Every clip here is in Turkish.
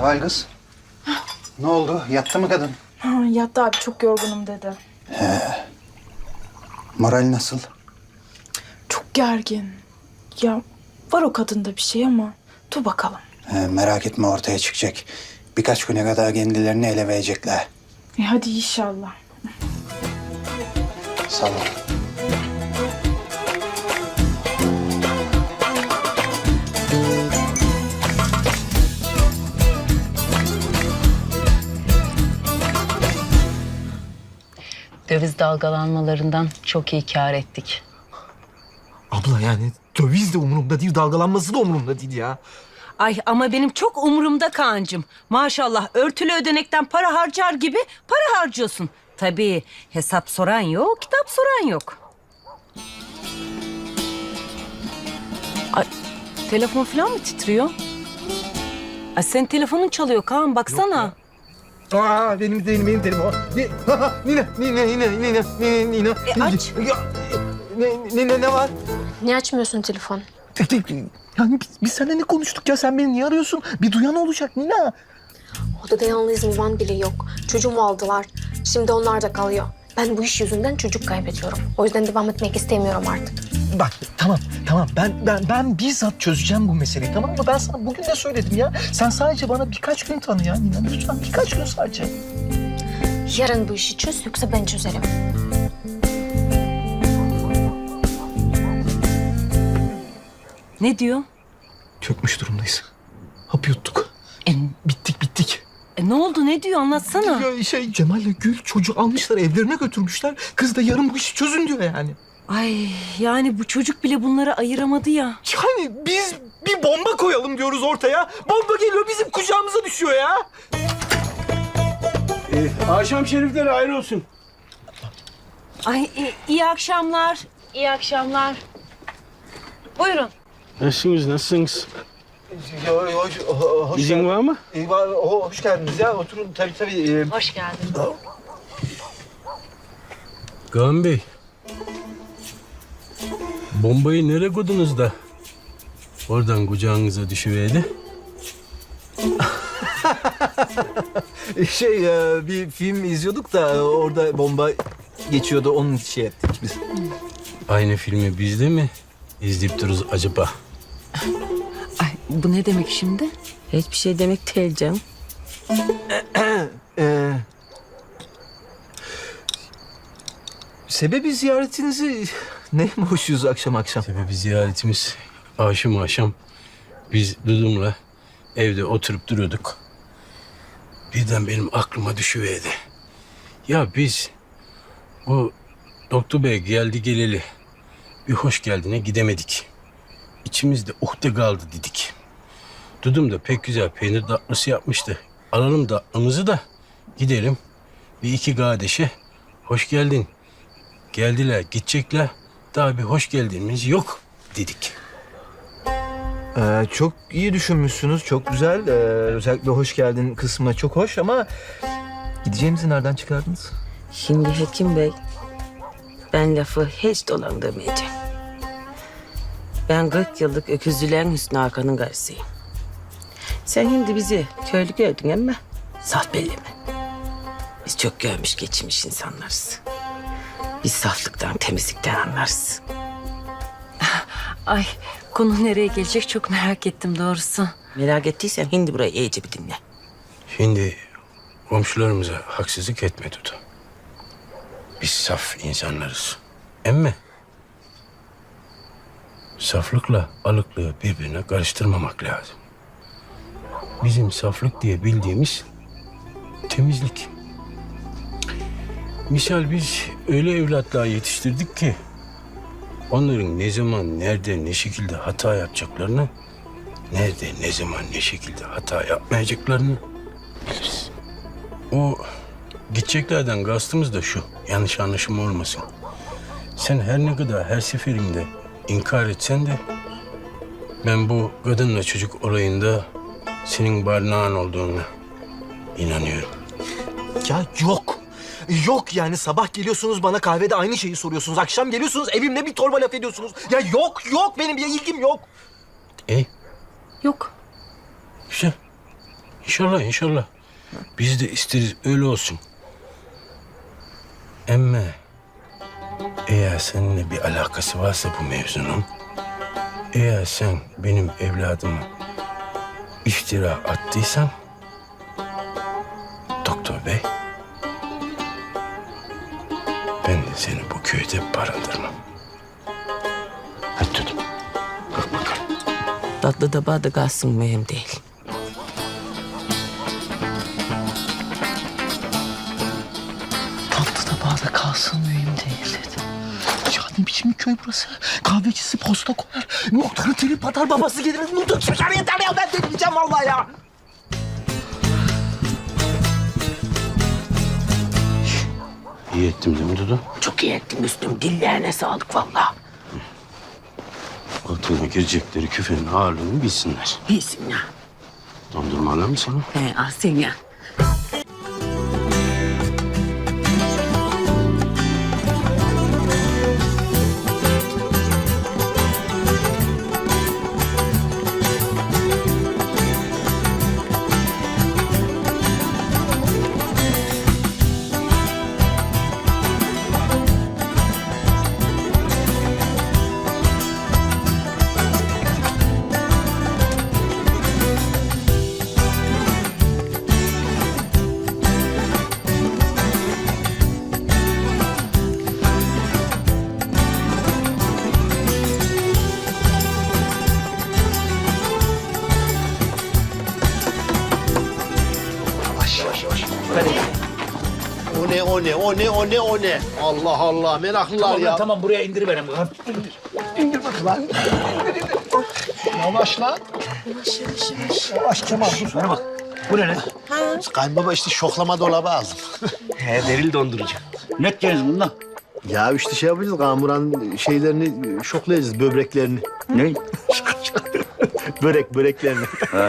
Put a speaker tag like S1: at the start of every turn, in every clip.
S1: Seval kız. Ne oldu? Yattı mı kadın?
S2: Ha, yattı abi, çok yorgunum dedi.
S1: Moral nasıl?
S2: Çok gergin. Ya var o kadında bir şey ama dur bakalım.
S1: Merak etme, ortaya çıkacak. Birkaç güne kadar kendilerini ele verecekler.
S2: Hadi inşallah.
S1: Sağ ol.
S3: Döviz dalgalanmalarından çok iyi kâr ettik.
S4: Abla yani döviz de umurumda değil, dalgalanması da umurumda değil ya.
S5: Ay ama benim çok umurumda Kaan'cığım. Maşallah örtülü ödenekten para harcar gibi para harcıyorsun. Tabii hesap soran yok, kitap soran yok. Ay, telefon falan mı titriyor? Ay senin telefonun çalıyor Kaan, baksana.
S4: Aa benim telefon. Nina.
S5: aç.
S4: Ne var?
S6: Niye açmıyorsun telefon?
S4: Yani biz seninle ne konuştuk ya? Sen beni niye arıyorsun? Bir duyan olacak Nina.
S6: Odada yalnız Mivan bile yok. Çocuğumu aldılar. Şimdi onlar da kalıyor. Ben bu iş yüzünden çocuk kaybediyorum. O yüzden devam etmek istemiyorum artık.
S4: Bak tamam. Ben bizzat çözeceğim bu meseleyi, tamam mı? Ben sana bugün de söyledim ya. Sen sadece bana birkaç gün tanı ya Nina. Lütfen birkaç gün sadece.
S6: Yarın bu işi çöz, yoksa ben çözerim.
S5: Ne diyor?
S4: Çökmüş durumdayız. Hap yuttuk.
S5: E,
S4: Bittik.
S5: ne oldu, ne diyor, anlatsana.
S4: Ya Cemal'le Gül çocuğu almışlar, evlerine götürmüşler. Kız da yarın bu işi çözün diyor yani.
S5: Ay yani bu çocuk bile bunları ayıramadı ya.
S4: Yani biz bir bomba koyalım diyoruz ortaya. Bomba geliyor bizim kucağımıza düşüyor ya.
S7: Akşam şerifleri hayır olsun.
S5: Ay iyi akşamlar. İyi akşamlar. Buyurun.
S7: Nasılsınız?
S4: Hoş
S7: İzin var mı?
S4: Hoş geldiniz ya. Oturun tabii.
S5: Hoş geldin.
S7: Kaan Bey. Bombayı nereye koydunuz da? Oradan kucağınıza düşüverdi.
S4: Bir film izliyorduk da orada bomba geçiyordu. Onun için şey ettik biz.
S7: Aynı filmi biz de mi izleyip dururuz acaba?
S5: Ay bu ne demek şimdi? Hiçbir şey demek değil canım.
S4: Sebebi ziyaretinizi ne hoşuz akşam.
S7: Sebebi ziyaretimiz akşam biz Dudum'la evde oturup duruyorduk. Birden benim aklıma düşüverdi. Ya biz o doktor bey geldi geleli bir hoş geldine gidemedik. İçimizde uhde kaldı dedik. Dudum da pek güzel peynir tatlısı yapmıştı. Alalım tatlımızı da gidelim. Bir iki kardeşe hoş geldin. Geldiler, gidecekler. Daha bir hoş geldiniz yok dedik.
S4: Çok iyi düşünmüşsünüz. Çok güzel. Özellikle hoş geldin kısmına çok hoş ama gideceğimizi nereden çıkardınız?
S8: Şimdi Hekim Bey, ben lafı hiç dolandırmayacağım. Ben 40 yıllık öküzlülerin Hüsnü Hakan'ın karısıyım. Sen şimdi bizi köylü gördün ama saf belli mi? Biz çok görmüş geçmiş insanlarız. Biz saflıktan, temizlikten anlarız.
S5: Ay konu nereye gelecek çok merak ettim doğrusu.
S8: Merak ettiysen şimdi burayı iyice bir dinle.
S7: Şimdi komşularımıza haksızlık etme Dudu. Biz saf insanlarız. Emme saflıkla alıklığı birbirine karıştırmamak lazım. Bizim saflık diye bildiğimiz temizlik. Misal biz öyle evlatlar yetiştirdik ki onların ne zaman, nerede, ne şekilde hata yapacaklarını, nerede, ne zaman, ne şekilde hata yapmayacaklarını biliriz. O gideceklerden kastımız da şu, yanlış anlaşılma olmasın. Sen her ne kadar her seferinde inkar etsen de ben bu kadınla çocuk olayında senin barnağın olduğunu inanıyorum.
S4: Ya yok. Yok yani sabah geliyorsunuz bana kahvede aynı şeyi soruyorsunuz. Akşam geliyorsunuz evimde bir torba laf ediyorsunuz. Ya yok benim bir ilgim yok.
S7: İyi,
S5: Yok.
S7: güzel. İnşallah inşallah. Biz de isteriz öyle olsun. Ama eğer seninle bir alakası varsa bu mevzunun, eğer sen benim evladıma iftira attıysan, doktor bey, ben de seni bu köyde barındırmam. Hadi tut. Kalk bakalım.
S8: Tatlı da bağda kalsın mühim değil.
S4: Tatlı da bağda kalsın mühim değil dedi. Ya ne biçim bir köy burası? Kahvecisi posta koyar. Muhtarın telip atar, babası gelir. Muhtar çıkar yeter ya, ben delireceğim vallahi ya.
S7: İyi ettim değil mi Dudu?
S8: Çok iyi ettin Müslüm. Dillerine sağlık vallahi.
S7: Altına girecekleri küfenin ağırlığını bilsinler.
S8: İyisin ya.
S7: Dondurma alır mı sana?
S8: He, alsın ya.
S9: O ne? Allah Allah, meraklılar ya.
S4: Tamam buraya indiriverim. İndir bakalım. Yavaş lan. Yavaş Kemal dur. Bana bak. Bu ne lan?
S9: Kayınbaba işte şoklama dolabı aldım.
S4: He deril dondurucu. Ne edeceğiz bundan?
S9: Ya işte şey yapacağız, kamuran şeylerini şoklayacağız, böbreklerini.
S4: Ne?
S9: Böreklerini.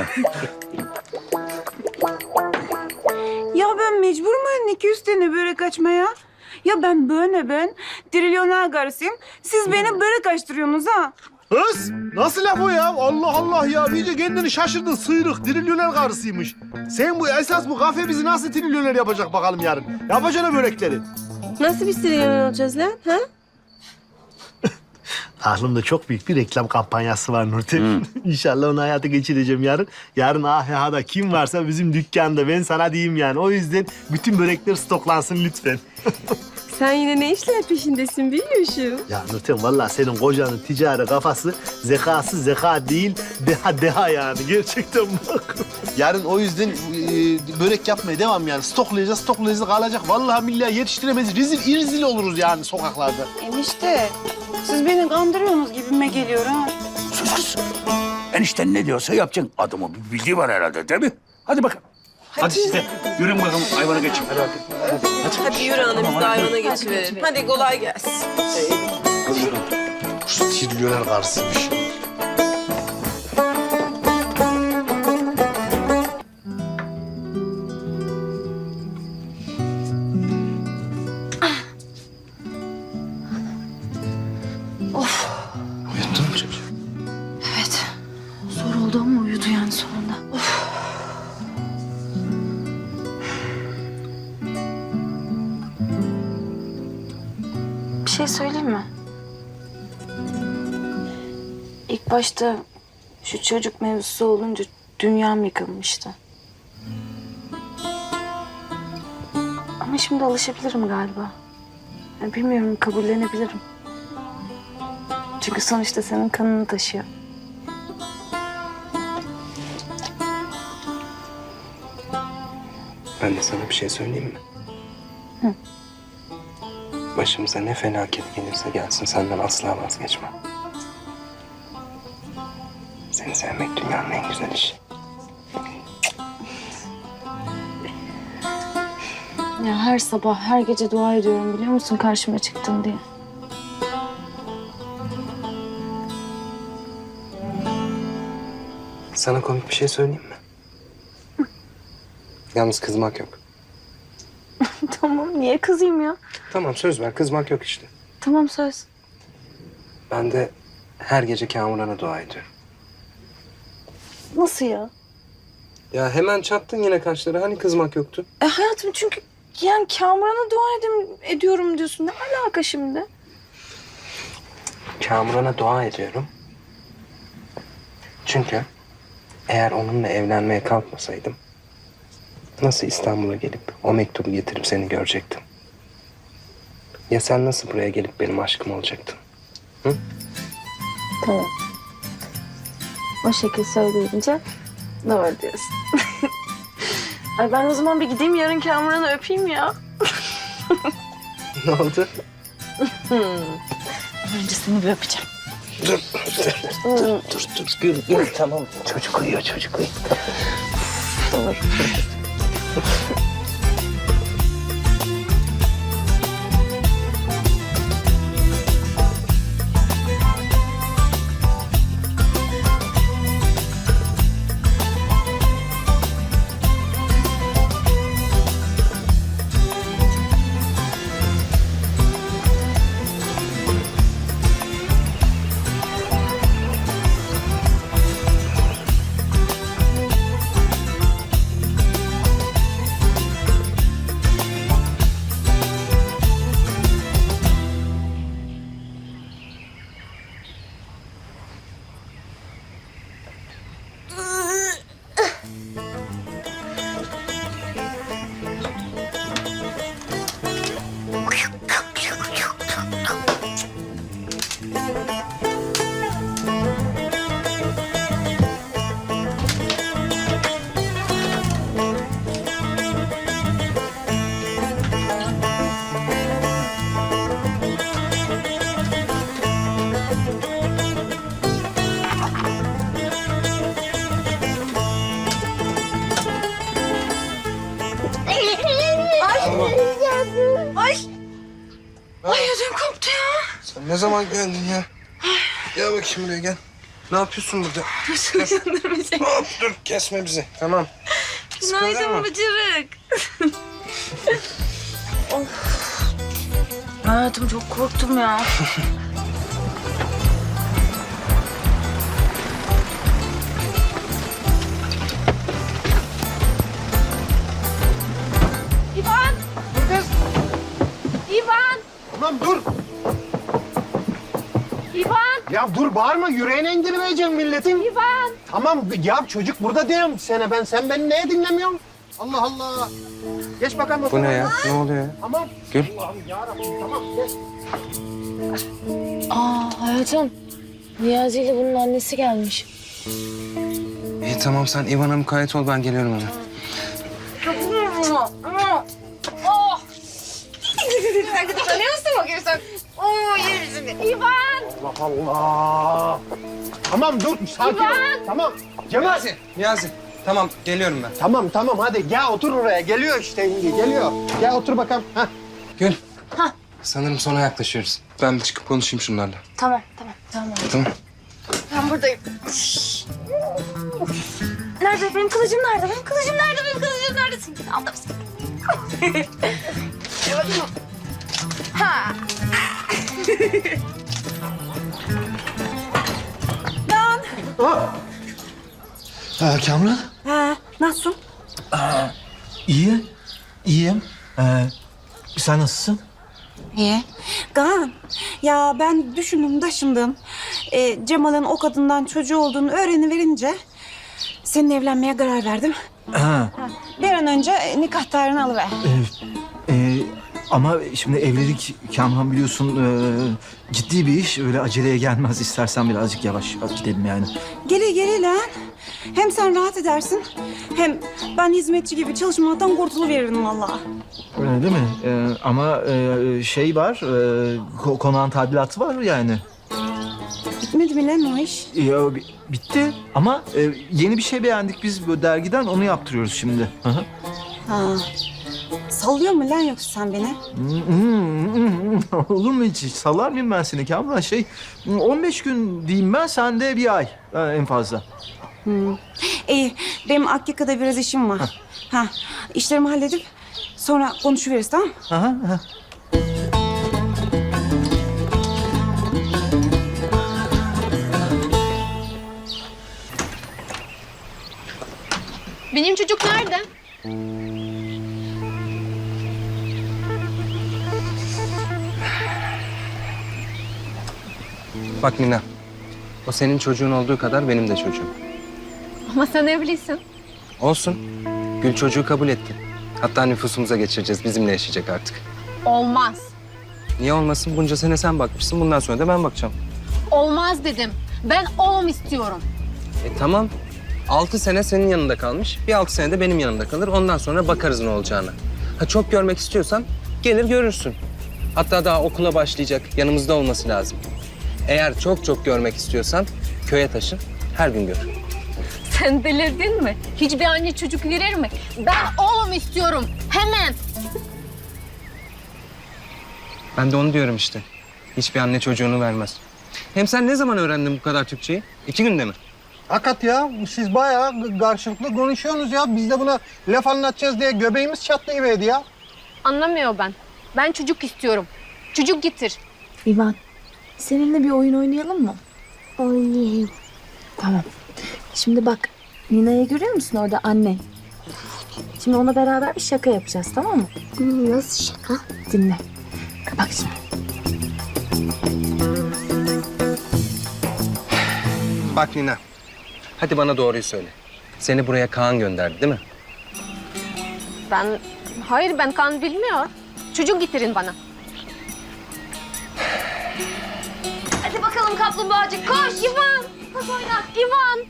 S10: Ya ben mecbur muyum 200 tane börek açmaya? Ya ben trilyoner karısıyım. Siz beni börek açtırıyorsunuz ha?
S9: Kız, nasıl laf o ya? Allah Allah ya, iyice kendini şaşırdın, sıyrık, trilyoner karısıymış. Sen bu esas bu kafe bizi nasıl trilyoner yapacak bakalım yarın? Yapacaksın börekleri.
S10: Nasıl bir trilyoner olacağız lan? Ha?
S9: Aklımda çok büyük bir reklam kampanyası var Nurten. İnşallah onu hayata geçireceğim yarın. Yarın AHH'da kim varsa bizim dükkanda, ben sana diyeyim yani. O yüzden bütün börekler stoklansın lütfen.
S10: Sen yine ne işler peşindesin biliyorsun.
S9: Ya Nurten vallahi senin kocanın ticari kafası zekası zeka değil, deha yani. Gerçekten bak. Yarın o yüzden börek yapmaya devam yani. Stoklayacağız kalacak. Vallahi billahi yetiştiremeyiz. İrzil oluruz yani sokaklarda.
S10: Enişte, siz beni kandırıyorsunuz gibime geliyor ha.
S11: Sus kız. Enişten ne diyorsa yapacaksın. Adamın bir bildiği var herhalde değil mi? Hadi bakalım. Hadi siz de yürüyün bakalım hayvana geçin. Hadi bakalım.
S10: Hadi yürü hanım biz de hayvana geçiverelim. Hadi kolay gelsin.
S9: Şu trilyoner karşısıymış.
S1: Uyuttun mu çocuğu?
S2: Evet. Zor oldu ama uyudu yani sonunda. Of. Bir şey söyleyeyim mi? İlk başta şu çocuk mevzusu olunca dünyam yıkılmıştı. Ama şimdi alışabilirim galiba. Yani bilmiyorum, kabullenebilirim. Çünkü sonuçta senin kanını taşıyor.
S1: Ben de sana bir şey söyleyeyim mi?
S2: Hı.
S1: Başımıza ne felaket gelirse gelsin senden asla vazgeçmem. Seni sevmek dünyanın en güzel işi.
S2: Ya her sabah, her gece dua ediyorum biliyor musun karşıma çıktın diye.
S1: Sana komik bir şey söyleyeyim mi? Yalnız kızmak yok.
S2: Tamam, niye kızayım ya?
S1: Tamam söz ver, kızmak yok işte.
S2: Tamam, söz.
S1: Ben de her gece Kamuran'a dua ediyorum.
S2: Nasıl ya?
S12: Ya hemen çattın yine kaşları. Hani kızmak yoktu?
S2: Hayatım çünkü yani Kamuran'a dua ediyorum diyorsun. Ne alaka şimdi?
S12: Kamuran'a dua ediyorum. Çünkü eğer onunla evlenmeye kalkmasaydım nasıl İstanbul'a gelip o mektubu getirip seni görecektim? Ya sen nasıl buraya gelip benim aşkım olacaktın?
S2: Tamam. O şekil söyleyince doğru diyorsun. Ay ben o zaman bir gideyim yarın Kamuran'ı öpeyim ya.
S12: Ne oldu?
S2: Önce seni bir öpeceğim.
S12: Dur. Gül. Tamam. Çocuk uyuyor.
S2: Doğru. Ay ödüm koptu ya.
S12: Sen ne zaman geldin ya? Gel bakayım buraya gel. Ne yapıyorsun burada? Hop dur kesme bizi. Tamam.
S2: Günaydın Bıcırık. Hayatım çok korktum ya. İvan! İvan!
S9: Tamam dur.
S2: İvan!
S9: Ya dur bağırma, yüreğine indirmeyeceksin milletin.
S2: İvan!
S9: Tamam ya çocuk burada diyorum sana ben. Sen beni neye dinlemiyorsun? Allah Allah. Geç bakalım.
S12: Bu ne ya? Ne oluyor ya?
S9: Tamam.
S12: Gül.
S9: Allah'ım yarabbim tamam geç.
S2: Hayatım, Niyazi ile bunun annesi gelmiş.
S12: İyi tamam sen İvan'a mukayyet ol ben geliyorum hemen.
S9: Allah Allah. Tamam dur sakin ol. Tamam. Cemal.
S12: Niyazi tamam geliyorum ben.
S9: Tamam hadi gel otur oraya. Geliyor işte şimdi geliyor. Gel otur bakalım. Heh.
S12: Gül. Sanırım sona yaklaşıyoruz. Ben bir çıkıp konuşayım şunlarla.
S2: Tamam.
S12: Tamam.
S2: Ben buradayım. Nerede? Benim kılıcım nerede? Benim kılıcım nerede? Seninkini aldım seni. Ha.
S4: Kamran?
S10: Nasıl?
S4: İyiyim. Sen nasılsın?
S10: İyi. Kaan, ya ben düşündüm taşındım. Cemal'in o kadından çocuğu olduğunu öğreniverince seninle evlenmeye karar verdim.
S4: Ha.
S10: Bir an önce nikah tarihini alıver.
S4: Ama şimdi evlilik Kamran biliyorsun ciddi bir iş. Öyle aceleye gelmez. İstersen birazcık yavaş gidelim yani.
S10: Gele lan. Hem sen rahat edersin, hem ben hizmetçi gibi çalışmaktan kurtuluveririm vallahi.
S4: Öyle değil mi? Ama şey var, konağın tadilatı var yani.
S10: Bitmedi mi lan o iş?
S4: Bitti ama yeni bir şey beğendik biz bu dergiden onu yaptırıyoruz şimdi. Hı hı.
S10: Ha. Sallıyor mu lan yoksa sen beni?
S4: Olur mu hiç? Sallar mıyım ben seni Kamran? 15 gün diyeyim ben, sen de bir ay en fazla.
S10: İyi, benim Akyaka'da biraz işim var. İşlerimi halledip sonra konuşuveririz, tamam?
S4: Aha.
S6: Benim çocuk nerede?
S12: Bak Nina, o senin çocuğun olduğu kadar benim de çocuğum.
S6: Ama sen evlisin.
S12: Olsun. Gül çocuğu kabul etti. Hatta nüfusumuza geçireceğiz. Bizimle yaşayacak artık.
S6: Olmaz.
S12: Niye olmasın? Bunca sene sen bakmışsın. Bundan sonra da ben bakacağım.
S6: Olmaz dedim. Ben oğlum istiyorum.
S12: Tamam. 6 sene senin yanında kalmış. Bir 6 sene de benim yanımda kalır. Ondan sonra bakarız ne olacağına. Ha çok görmek istiyorsan gelir görürsün. Hatta daha okula başlayacak. Yanımızda olması lazım. Eğer çok çok görmek istiyorsan köye taşın. Her gün gör.
S6: Sen delirdin mi? Hiçbir anne çocuk verir mi? Ben oğlum istiyorum. Hemen.
S12: Ben de onu diyorum işte. Hiçbir anne çocuğunu vermez. Hem sen ne zaman öğrendin bu kadar Türkçeyi? 2 günde mi?
S1: Hakikat ya, siz bayağı karşılıklı konuşuyorsunuz ya. Biz de buna laf anlatacağız diye göbeğimiz çatlayıverdi ya.
S6: Anlamıyor ben. Ben çocuk istiyorum. Çocuk getir.
S2: İvan, seninle bir oyun oynayalım mı?
S6: Oynayayım.
S2: Tamam. Şimdi bak, Nina'yı görüyor musun orada anne? Şimdi ona beraber bir şaka yapacağız, tamam mı?
S6: Nasıl şaka?
S2: Dinle. Bak şimdi.
S12: Bak Nina. Hadi bana doğruyu söyle. Seni buraya Kaan gönderdi değil mi?
S6: Hayır ben kan bilmiyor. Çocuk getirin bana. Hadi bakalım kaplumbağacık koş İvan. Koş oyna İvan.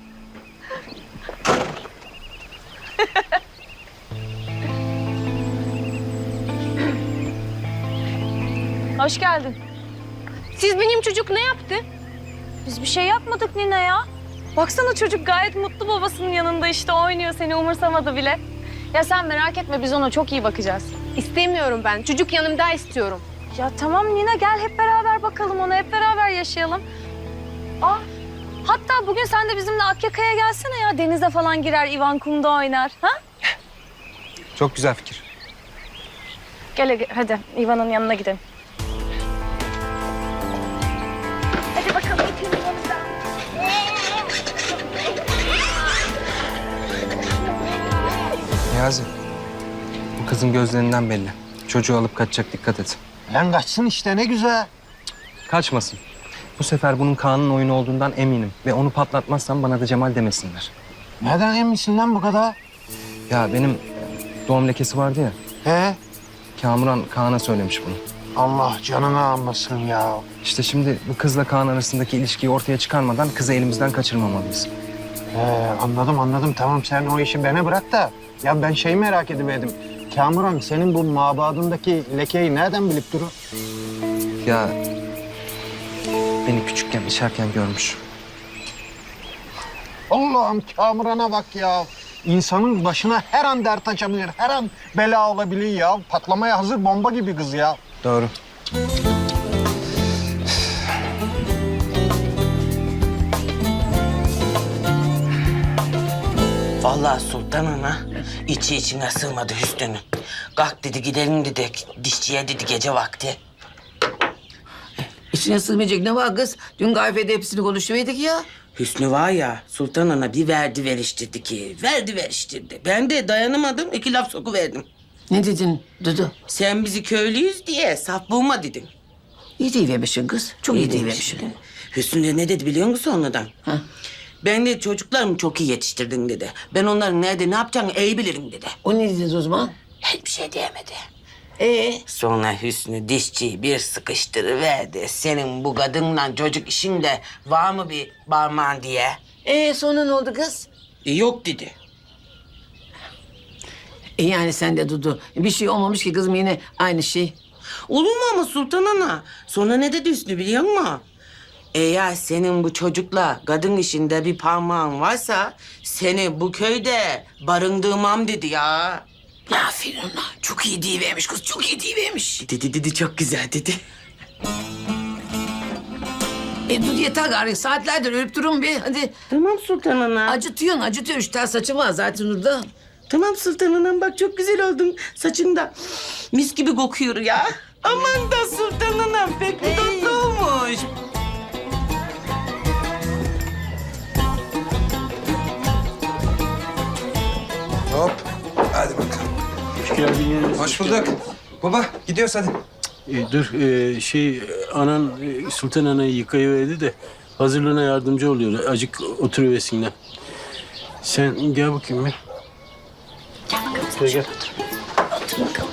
S2: Hoş geldin.
S6: Siz benim çocuk ne yaptı?
S2: Biz bir şey yapmadık Nina ya. Baksana çocuk gayet mutlu babasının yanında işte oynuyor, seni umursamadı bile. Ya sen merak etme, biz ona çok iyi bakacağız.
S6: İstemiyorum ben. Çocuk yanımda istiyorum.
S2: Ya tamam Nina, gel hep beraber bakalım ona, hep beraber yaşayalım. Hatta bugün sen de bizimle Akyaka'ya gelsene ya. Denize falan girer, İvan kumda oynar. Ha?
S12: Çok güzel fikir.
S2: Gel hadi İvan'ın yanına gidelim. Hadi bakalım gidelim yanımıza.
S12: Niyazi, bu kızın gözlerinden belli. Çocuğu alıp kaçacak, dikkat et.
S1: Lan kaçsın işte, ne güzel.
S12: Kaçmasın. Bu sefer bunun Kaan'ın oyunu olduğundan eminim. Ve onu patlatmazsam bana da Cemal demesinler.
S1: Neden eminsin lan bu kadar?
S12: Ya benim doğum lekesi vardı ya.
S1: He?
S12: Kamuran Kaan'a söylemiş bunu.
S1: Allah canını almasın ya.
S12: İşte şimdi bu kızla Kaan arasındaki ilişkiyi ortaya çıkarmadan kızı elimizden kaçırmamalıyız.
S1: Anladım. Tamam sen o işi bana bırak da. Ya ben şeyi merak ediverdim. Kamuran senin bu mabadındaki lekeyi nereden bilip durur?
S12: Ya beni küçükken içerken görmüş.
S1: Allah'ım Kamuran'a bak ya. İnsanın başına her an dert açabilir, her an bela olabilir ya. Patlamaya hazır bomba gibi kız ya.
S12: Doğru.
S8: Vallahi Sultan Ana içi içine sığmadı Hüsnü'nün. Kalk dedi gidelim dedi. Dişçiye dedi gece vakti.
S13: İçine sığmayacak ne var kız? Dün kahvede hepsini konuşuverdik ya.
S8: Hüsnü var ya Sultan Ana bir verdi veriştirdi ki. Verdi veriştirdi. Ben de dayanamadım 2 laf sokuverdim.
S13: Ne dedin Dudu?
S8: Sen bizi köylüyüz diye saf bulma dedin.
S13: İyi deyivermişsin kız. Çok iyi deyivermişsin.
S8: demiştin. Hüsnü de ne dedi biliyor musun sonradan?
S13: Ha.
S8: Ben de çocuklarımı çok iyi yetiştirdin dedi. Ben onların nerede ne yapacağını iyi bilirim dedi.
S13: O ne dedi o zaman?
S8: Hiçbir şey diyemedi.
S13: Ee?
S8: Sonra Hüsnü dişçiyi bir sıkıştırıverdi. Senin bu kadınla çocuk işinde var mı bir parmağın diye.
S13: Sonra ne oldu kız?
S8: Yok dedi.
S13: Yani sen de Dudu. Bir şey olmamış ki kızım yine aynı şey.
S8: Olur mu ama Sultan Ana? Sonra ne dedi Hüsnü biliyor musun? Eğer senin bu çocukla kadın işinde bir parmağın varsa seni bu köyde barındırmam dedi ya.
S13: Aferin ona. Çok iyi deyivermiş kız. Çok iyi deyivermiş.
S8: Dedi çok güzel dedi.
S13: Dudu yeter gari. Saatlerdir ölüp durun bir. Hadi.
S8: Tamam Sultan Ana.
S13: Acıtıyor. 3 tane saçı var zaten orada.
S8: Tamam Sultan Anam bak çok güzel oldun. Saçında mis gibi kokuyor ya. Aman da Sultan Anam pek bir tatlı olmuş.
S12: Hop. Hadi bakalım.
S7: Hoş geldin.
S12: Hoş bulduk. Baba gidiyoruz hadi.
S7: Dur anan Sultan Ana'yı yıkayıverdi de hazırlığına yardımcı oluyor. Acık oturuversinler. Sen gel bakayım bir. Gel gel.
S3: Otur bakalım.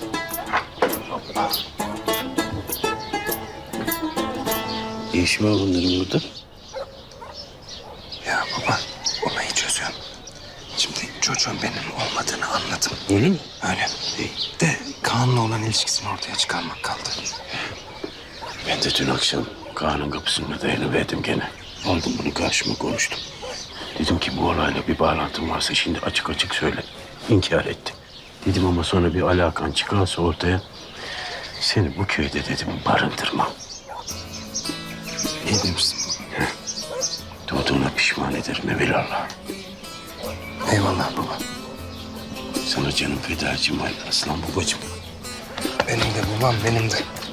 S7: Ne işi var bunların burada?
S12: Ya baba olayı çözüyorum. Şimdi çocuğun benim olmadığını anladım.
S7: Öyle mi?
S12: Öyle. De Kaan'la olan ilişkisini ortaya çıkarmak kaldı.
S7: Ben de dün akşam Kaan'ın kapısında dayanıverdim gene. Aldım bunu karşıma konuştum. Dedim ki bu olayla bir bağlantın varsa şimdi açık açık söyle. İnkar etti. Dedim ama sonra bir alakan çıkarsa ortaya seni bu köyde dedim barındırmam.
S12: İyi demişsin baba.
S7: Doğduğuna pişman ederim evelallah.
S12: Eyvallah baba.
S7: Sana canım fedacım var aslan babacığım.
S12: Benim de babam benim de.